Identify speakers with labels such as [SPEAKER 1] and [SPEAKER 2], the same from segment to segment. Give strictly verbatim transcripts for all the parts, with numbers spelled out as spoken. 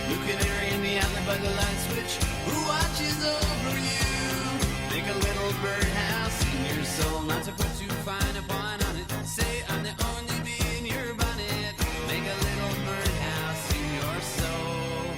[SPEAKER 1] Blue canary in the alley by the light switch, who watches over you? Make a little birdhouse in your soul, not to put too fine a point on it. Say I'm the only bee in your bonnet. Make a little birdhouse in your soul.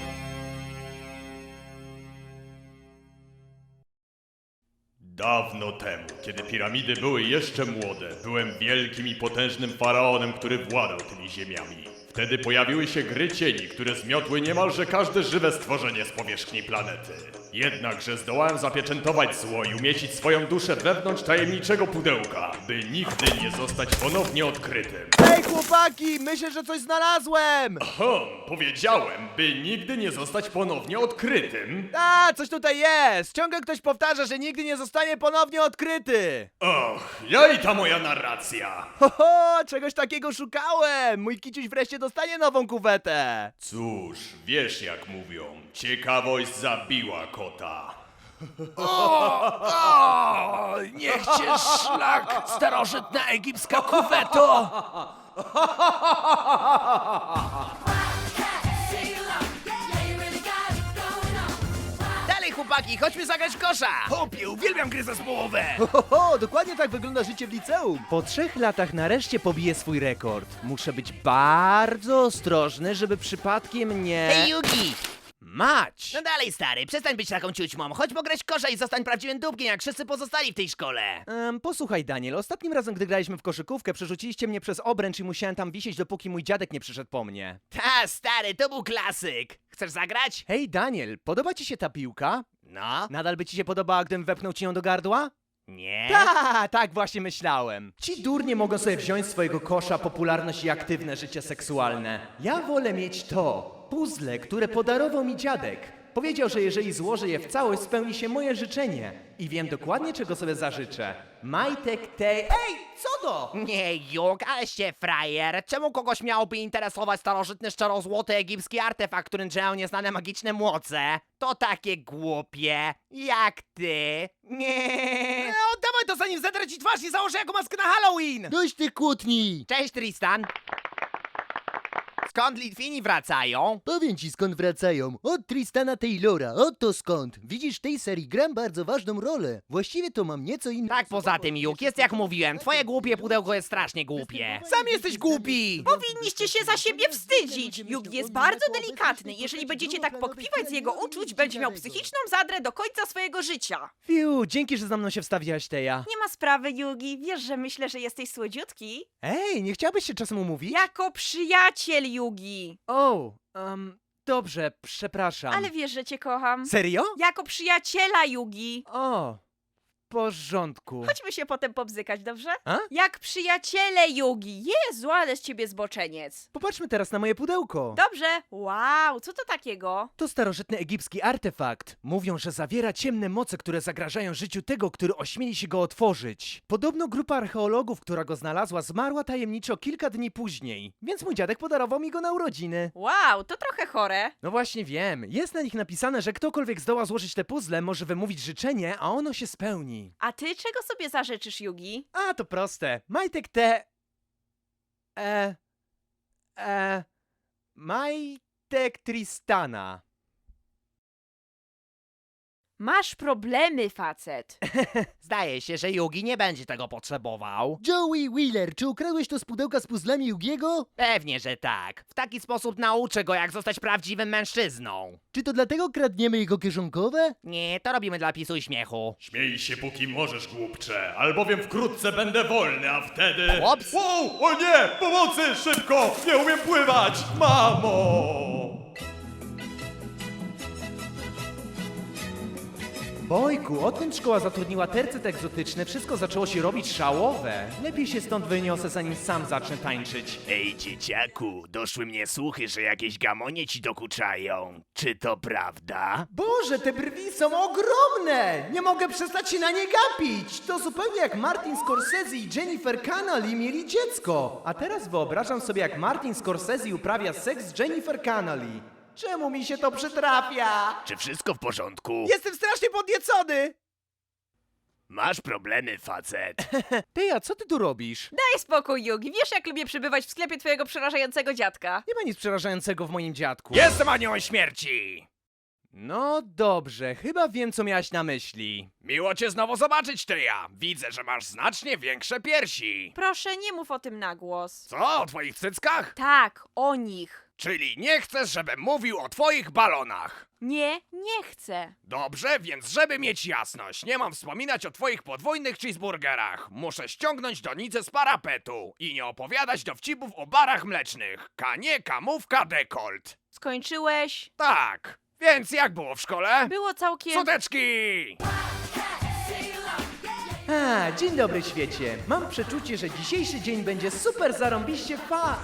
[SPEAKER 2] Dawno temu, kiedy piramidy były jeszcze młode, byłem wielkim i potężnym faraonem, który władał tymi ziemiami. Wtedy pojawiły się gry cieni, które zmiotły niemalże każde żywe stworzenie z powierzchni planety. Jednakże zdołałem zapieczętować zło i umieścić swoją duszę wewnątrz tajemniczego pudełka, by nigdy nie zostać ponownie odkrytym.
[SPEAKER 3] Hej chłopaki, myślę, że coś znalazłem!
[SPEAKER 2] Hom, powiedziałem, by nigdy nie zostać ponownie odkrytym.
[SPEAKER 3] A, coś tutaj jest! Ciągle ktoś powtarza, że nigdy nie zostanie ponownie odkryty!
[SPEAKER 2] Och, ja i ta moja narracja.
[SPEAKER 3] Ho, ho, czegoś takiego szukałem! Mój kiciuś wreszcie dostanie nową kuwetę!
[SPEAKER 2] Cóż, wiesz jak mówią, ciekawość zabiła kota.
[SPEAKER 3] O, niech cię szlak, starożytna egipska kuweto!
[SPEAKER 4] Dalej chłopaki, chodźmy zagrać w kosza!
[SPEAKER 3] Hopie, uwielbiam gry zespołowe! Ho, ho, ho, dokładnie tak wygląda życie w liceum. Po trzech latach nareszcie pobiję swój rekord. Muszę być bardzo ostrożny, żeby przypadkiem nie...
[SPEAKER 4] Hej Yugi!
[SPEAKER 3] Mać!
[SPEAKER 4] No dalej stary, przestań być taką ciućmą. Chodź pograć w kosza i zostań prawdziwym dupkiem, jak wszyscy pozostali w tej szkole.
[SPEAKER 3] Em, posłuchaj Daniel, ostatnim razem gdy graliśmy w koszykówkę przerzuciliście mnie przez obręcz i musiałem tam wisieć dopóki mój dziadek nie przyszedł po mnie.
[SPEAKER 4] Ta stary, to był klasyk. Chcesz zagrać?
[SPEAKER 3] Hej Daniel, podoba ci się ta piłka?
[SPEAKER 4] No.
[SPEAKER 3] Nadal by ci się podobała, gdybym wepchnął ci ją do gardła?
[SPEAKER 4] Nie?
[SPEAKER 3] Ta, tak właśnie myślałem. Ci durnie mogą sobie wziąć z swojego kosza popularność i aktywne życie seksualne. Ja wolę mieć to, puzzle, które podarował mi dziadek. Powiedział, że jeżeli złożę je w całość, spełni się moje życzenie. I wiem dokładnie, czego sobie zażyczę. Majtek tej... Ej, co to?
[SPEAKER 4] Nie, Juk, aleś się frajer. Czemu kogoś miałoby interesować starożytny szczerozłoty egipski artefakt, którym działają nieznane magiczne młoce? To takie głupie. Jak ty. Nie.
[SPEAKER 3] E, oddawaj to, zanim zedrę ci twarz i założę jako maskę na Halloween!
[SPEAKER 5] Dość tych kłótni!
[SPEAKER 4] Cześć Tristan. Skąd Litwini wracają?
[SPEAKER 5] Powiem ci skąd wracają. Od Tristana Taylora, oto skąd. Widzisz, w tej serii gram bardzo ważną rolę. Właściwie to mam nieco inną...
[SPEAKER 4] Tak, poza tym, Juk, jest jak mówiłem, twoje głupie pudełko jest strasznie głupie.
[SPEAKER 3] Sam jesteś głupi!
[SPEAKER 6] Powinniście się za siebie wstydzić. Yugi jest bardzo delikatny. Jeżeli będziecie tak pokpiwać z jego uczuć, będzie miał psychiczną zadrę do końca swojego życia.
[SPEAKER 3] Fiu, dzięki, że za mną się wstawiłaś, Teja.
[SPEAKER 6] Nie ma sprawy, Yugi. Wiesz, że myślę, że jesteś słodziutki?
[SPEAKER 3] Ej, nie chciałbyś się czasem umówić?
[SPEAKER 6] Jako przyjaciel, Yugi.
[SPEAKER 3] O, um, dobrze, przepraszam.
[SPEAKER 6] Ale wiesz, że cię kocham.
[SPEAKER 3] Serio?
[SPEAKER 6] Jako przyjaciela, Yugi.
[SPEAKER 3] O, w porządku.
[SPEAKER 6] Chodźmy się potem pobzykać, dobrze?
[SPEAKER 3] A?
[SPEAKER 6] Jak przyjaciele, Yugi. Jezu, ale z ciebie zboczeniec.
[SPEAKER 3] Popatrzmy teraz na moje pudełko.
[SPEAKER 6] Dobrze. Wow, co to takiego?
[SPEAKER 3] To starożytny egipski artefakt. Mówią, że zawiera ciemne moce, które zagrażają życiu tego, który ośmieli się go otworzyć. Podobno grupa archeologów, która go znalazła, zmarła tajemniczo kilka dni później. Więc mój dziadek podarował mi go na urodziny.
[SPEAKER 6] Wow, to trochę chore.
[SPEAKER 3] No właśnie wiem. Jest na nich napisane, że ktokolwiek zdoła złożyć te puzzle, może wymówić życzenie, a ono się spełni.
[SPEAKER 6] A ty czego sobie zażyczysz, Yugi?
[SPEAKER 3] A, to proste. Majtek te... E... E... Majtek Tristana.
[SPEAKER 6] Masz problemy, facet.
[SPEAKER 4] Zdaje się, że Yugi nie będzie tego potrzebował.
[SPEAKER 5] Joey Wheeler, czy ukradłeś to z pudełka z puzzlami Yugiego?
[SPEAKER 4] Pewnie, że tak. W taki sposób nauczę go, jak zostać prawdziwym mężczyzną.
[SPEAKER 5] Czy to dlatego kradniemy jego kieszonkowe?
[SPEAKER 4] Nie, to robimy dla pisu i śmiechu.
[SPEAKER 2] Śmiej się póki możesz, głupcze, albowiem wkrótce będę wolny, a wtedy...
[SPEAKER 4] Ups.
[SPEAKER 2] Wow, o nie! Pomocy! Szybko! Nie umiem pływać! Mamo!
[SPEAKER 3] Bojku, odkąd szkoła zatrudniła tercet egzotyczny, wszystko zaczęło się robić szałowe. Lepiej się stąd wyniosę, zanim sam zacznę tańczyć.
[SPEAKER 7] Ej, dzieciaku, doszły mnie słuchy, że jakieś gamonie ci dokuczają. Czy to prawda?
[SPEAKER 3] Boże, te brwi są ogromne! Nie mogę przestać się na nie gapić! To zupełnie jak Martin Scorsese i Jennifer Connelly mieli dziecko. A teraz wyobrażam sobie, jak Martin Scorsese uprawia seks z Jennifer Connelly. Czemu mi się to przytrafia?
[SPEAKER 7] Czy wszystko w porządku?
[SPEAKER 3] Jestem strasznie podniecony!
[SPEAKER 7] Masz problemy, facet.
[SPEAKER 3] Ty, a co ty tu robisz?
[SPEAKER 6] Daj spokój, Yugi. Wiesz, jak lubię przybywać w sklepie twojego przerażającego dziadka.
[SPEAKER 3] Nie ma nic przerażającego w moim dziadku.
[SPEAKER 4] Jestem aniołem śmierci!
[SPEAKER 3] No dobrze, chyba wiem, co miałaś na myśli.
[SPEAKER 4] Miło cię znowu zobaczyć, Tyja. Widzę, że masz znacznie większe piersi.
[SPEAKER 6] Proszę, nie mów o tym na głos.
[SPEAKER 4] Co, o twoich cyckach?
[SPEAKER 6] Tak, o nich.
[SPEAKER 4] Czyli nie chcesz, żebym mówił o twoich balonach.
[SPEAKER 6] Nie, nie chcę.
[SPEAKER 4] Dobrze, więc żeby mieć jasność, nie mam wspominać o twoich podwójnych cheeseburgerach. Muszę ściągnąć donicę z parapetu i nie opowiadać dowcipów o barach mlecznych. Kanie, kamówka, dekolt.
[SPEAKER 6] Skończyłeś?
[SPEAKER 4] Tak, więc jak było w szkole?
[SPEAKER 6] Było całkiem...
[SPEAKER 4] Suteczki!
[SPEAKER 3] A, dzień dobry świecie. Mam przeczucie, że dzisiejszy dzień będzie super zarąbiście fa...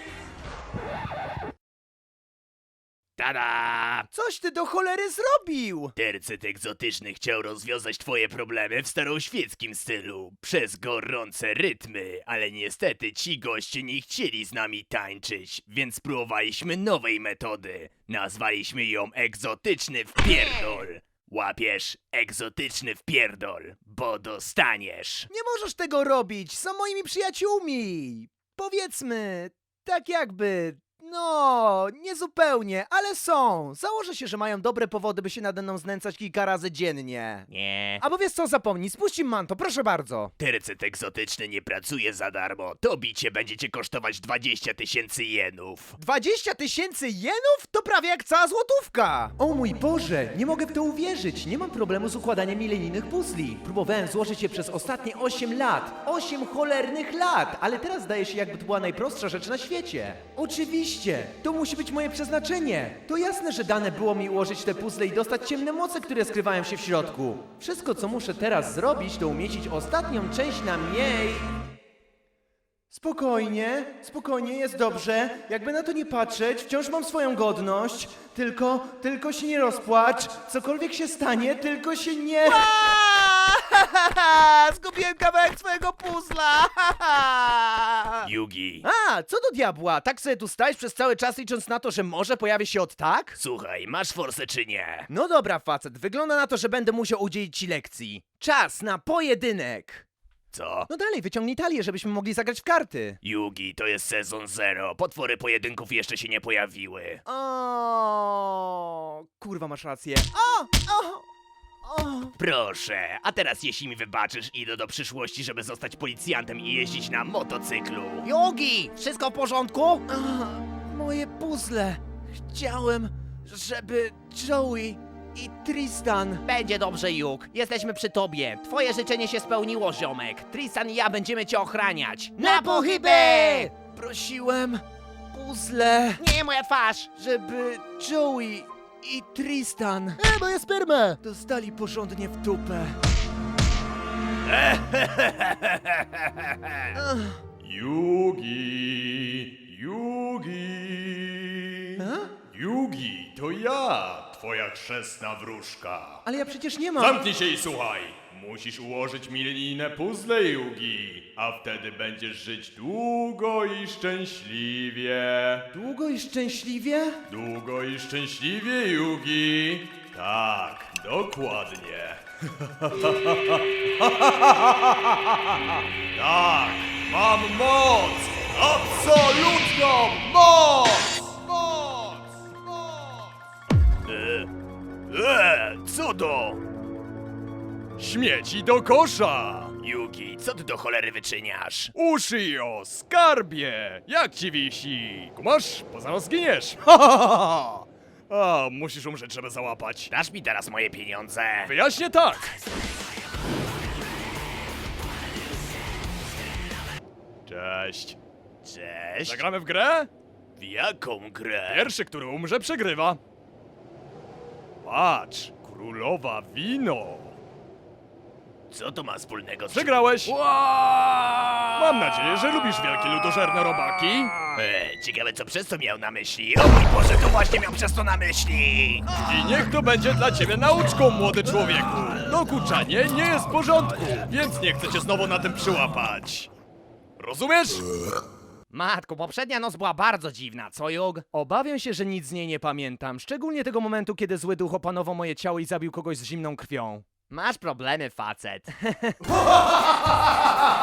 [SPEAKER 7] Tada!
[SPEAKER 3] Coś ty do cholery zrobił!
[SPEAKER 7] Tercet egzotyczny chciał rozwiązać twoje problemy w staroświeckim stylu, przez gorące rytmy, ale niestety ci goście nie chcieli z nami tańczyć, więc spróbowaliśmy nowej metody. Nazwaliśmy ją egzotyczny wpierdol. Łapiesz? Egzotyczny wpierdol, bo dostaniesz.
[SPEAKER 3] Nie możesz tego robić, są moimi przyjaciółmi. Powiedzmy, tak jakby... No, niezupełnie, ale są. Założę się, że mają dobre powody, by się nade mną znęcać kilka razy dziennie.
[SPEAKER 4] Nie.
[SPEAKER 3] Albo wiesz co, zapomnij, spuść im manto, proszę bardzo.
[SPEAKER 7] Tercet egzotyczny nie pracuje za darmo. To bicie będzie cię kosztować dwadzieścia tysięcy jenów.
[SPEAKER 3] dwadzieścia tysięcy jenów? To prawie jak cała złotówka! O mój Boże, nie mogę w to uwierzyć. Nie mam problemu z układaniem milenijnych puzli. Próbowałem złożyć je przez ostatnie osiem lat. osiem cholernych lat! Ale teraz zdaje się, jakby to była najprostsza rzecz na świecie. Oczywiście, to musi być moje przeznaczenie. To jasne, że dane było mi ułożyć te puzzle i dostać ciemne moce, które skrywają się w środku. Wszystko, co muszę teraz zrobić, to umieścić ostatnią część na mniej... Spokojnie, spokojnie, jest dobrze. Jakby na to nie patrzeć, wciąż mam swoją godność. Tylko, tylko się nie rozpłacz. Cokolwiek się stanie, tylko się nie... Zgubiłem kawałek swojego puzla!
[SPEAKER 7] Yugi,
[SPEAKER 3] A, co do diabła? Tak sobie tu stajesz przez cały czas, licząc na to, że może pojawi się od tak?
[SPEAKER 7] słuchaj, masz forsę czy nie?
[SPEAKER 3] No dobra, facet, wygląda na to, że będę musiał udzielić ci lekcji. Czas na pojedynek!
[SPEAKER 7] Co?
[SPEAKER 3] No dalej, wyciągnij talię, żebyśmy mogli zagrać w karty.
[SPEAKER 7] Yugi, to jest sezon zero. Potwory pojedynków jeszcze się nie pojawiły.
[SPEAKER 3] O, kurwa, masz rację. O, o, o.
[SPEAKER 7] Proszę, a teraz jeśli mi wybaczysz, idę do przyszłości, żeby zostać policjantem i jeździć na motocyklu.
[SPEAKER 4] Yugi, wszystko w porządku?
[SPEAKER 3] A, moje puzzle. Chciałem, żeby Joey i Tristan...
[SPEAKER 4] Będzie dobrze, Juk. Jesteśmy przy tobie. Twoje życzenie się spełniło, ziomek. Tristan i ja będziemy cię ochraniać.
[SPEAKER 3] Na pochybę! Prosiłem puzzle,
[SPEAKER 4] Nie, moja twarz!
[SPEAKER 3] żeby Joey i Tristan
[SPEAKER 5] E, moja sperma!
[SPEAKER 3] dostali porządnie w dupę.
[SPEAKER 2] Yugi, Yugi. Yugi, to ja, twoja chrzestna wróżka.
[SPEAKER 3] Ale ja przecież nie mam...
[SPEAKER 2] Zamknij się i słuchaj. Musisz ułożyć milenijne puzzle, Yugi, a wtedy będziesz żyć długo i szczęśliwie.
[SPEAKER 3] Długo i szczęśliwie?
[SPEAKER 2] Długo i szczęśliwie, Yugi. Tak, dokładnie. Tak, mam moc! Absolutną moc! Moc! Moc!
[SPEAKER 7] Eee, co to?
[SPEAKER 2] Śmieci do kosza!
[SPEAKER 7] Yugi, co ty do cholery wyczyniasz?
[SPEAKER 2] Ushio, skarbie! Jak ci wisi? Kumasz? Poza zginiesz! Ha, ha, ha, ha. A, musisz umrzeć, żeby załapać.
[SPEAKER 7] Dasz mi teraz moje pieniądze.
[SPEAKER 2] Wyjaśnię tak! Cześć.
[SPEAKER 7] Cześć.
[SPEAKER 2] Zagramy w grę?
[SPEAKER 7] W jaką grę?
[SPEAKER 2] Pierwszy, który umrze, przegrywa. Patrz, królowa wino.
[SPEAKER 7] Co to ma wspólnego z...
[SPEAKER 2] Przegrałeś.
[SPEAKER 7] Wow!
[SPEAKER 2] Mam nadzieję, że lubisz wielkie ludożerne robaki.
[SPEAKER 7] Eee, ciekawe co przez to miał na myśli. O mój Boże, to właśnie miał przez to na myśli.
[SPEAKER 2] I niech to będzie dla ciebie nauczką, młody człowieku. Dokuczanie nie jest w porządku, więc nie chcę cię znowu na tym przyłapać. Rozumiesz?
[SPEAKER 4] Matko, poprzednia noc była bardzo dziwna, co, Jug?
[SPEAKER 3] Obawiam się, że nic z niej nie pamiętam. Szczególnie tego momentu, kiedy zły duch opanował moje ciało i zabił kogoś z zimną krwią.
[SPEAKER 4] Masz problemy, facet.